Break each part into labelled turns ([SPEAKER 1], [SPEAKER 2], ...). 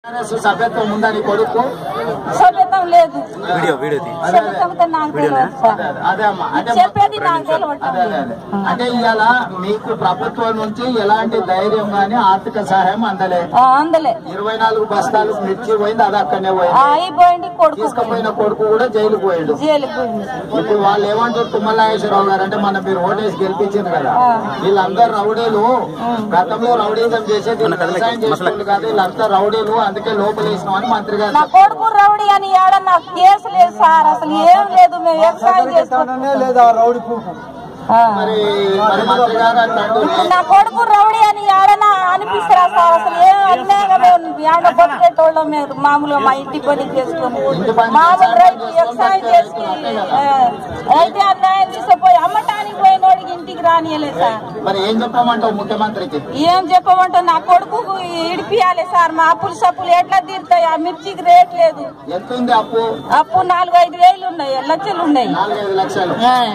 [SPEAKER 1] సభ్యత్వం ఉందా నీ కొడుకు?
[SPEAKER 2] సభ్యత్వం లేదు.
[SPEAKER 1] అంటే ఇవాళ మీకు ప్రభుత్వం నుంచి ఎలాంటి ధైర్యం గానీ ఆర్థిక సహాయం అందలే? 24 బస్తాలు మిర్చి పోయింది, అది అక్కడనే పోయింది. తీసుకుపోయిన కొడుకు కూడా జైలుకు పోయిండు. ఇప్పుడు వాళ్ళు ఏమంటారు తుమ్మలాగేశ్వరరావు గారు అంటే మన మీరు ఓటేసి గెలిపించారు కదా, వీళ్ళందరూ రౌడీలు, గతంలో రౌడీజం చేసేది వ్యవసాయం చేసుకోండి కాదు, వీళ్ళంతా రౌడీలు, అందుకే లోపల వేసినామని మంత్రి గారు.
[SPEAKER 2] నా కొడుకు రౌడీ అని నాకు కేసు లేదు సార్, అసలు ఏం లేదు, మేము వ్యవసాయం చేసుకోవడమే లేదా రౌడీ
[SPEAKER 1] మరి మంత్రి గారు అంటాడు
[SPEAKER 2] నా కొడుకు రౌడీ అని ఏడన్నా అనిపిస్తారా సార్? అసలు ఏం అన్యాయంగా బతికేటోళ్ళం మేము మామూలుగా మా ఇంటి పని చేసుకుని మామూలు రైతు వ్యవసాయం చేసి అయితే అన్యాయం తీసుకుపోయి అమ్మటానికి పోయినోడికి ఇంటికి రానియలేదు సార్.
[SPEAKER 1] మరి ఏం చెప్పమంటావు ముఖ్యమంత్రికి?
[SPEAKER 2] ఏం చెప్పమంటావు, నా కొడుకు ఇడిపియాలి సార్. మా అప్పులు సప్పులు ఎట్లా తీరుతాయి? ఆ మిర్చికి రేట్ లేదు.
[SPEAKER 1] ఎంత ఉంది అప్పు?
[SPEAKER 2] అప్పు 4-5 వేలు ఉన్నాయి, లక్షలు ఉన్నాయి.
[SPEAKER 1] 4-5 లక్షలు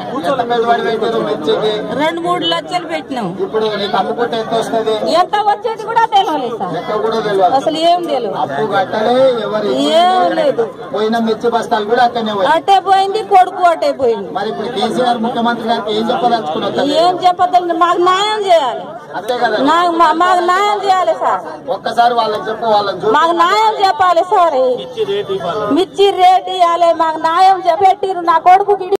[SPEAKER 2] 2-3 లక్షలు పెట్టినాం.
[SPEAKER 1] ఇప్పుడు నీకు అమ్ముకుంటే ఎంత వస్తుంది?
[SPEAKER 2] ఎంత వచ్చేది కూడా తెలియలేదు సార్, అసలు ఏం తెలియదు.
[SPEAKER 1] అప్పు కట్టలే,
[SPEAKER 2] ఏం లేదు.
[SPEAKER 1] పోయిన మిర్చి బస్తాలు కూడా అక్కడనే
[SPEAKER 2] అట్టే పోయింది, కొడుకు అట్టే పోయింది.
[SPEAKER 1] మరి ఇప్పుడు కేసీఆర్ ముఖ్యమంత్రి గారికి ఏం చెప్పదలుచుకున్నారు?
[SPEAKER 2] ఏం చెప్పదండి, మాకు న్యాయం చేయాలి.
[SPEAKER 1] అంతే కదా,
[SPEAKER 2] మాకు న్యాయం చేయాలి సార్.
[SPEAKER 1] ఒక్కసారి వాళ్ళకి చెప్పు, వాళ్ళని
[SPEAKER 2] మాకు న్యాయం చెప్పాలి సార్. మిర్చి రేట్ ఇవ్వాలి, మాకు న్యాయం పెట్టిరు. నా కొడుకు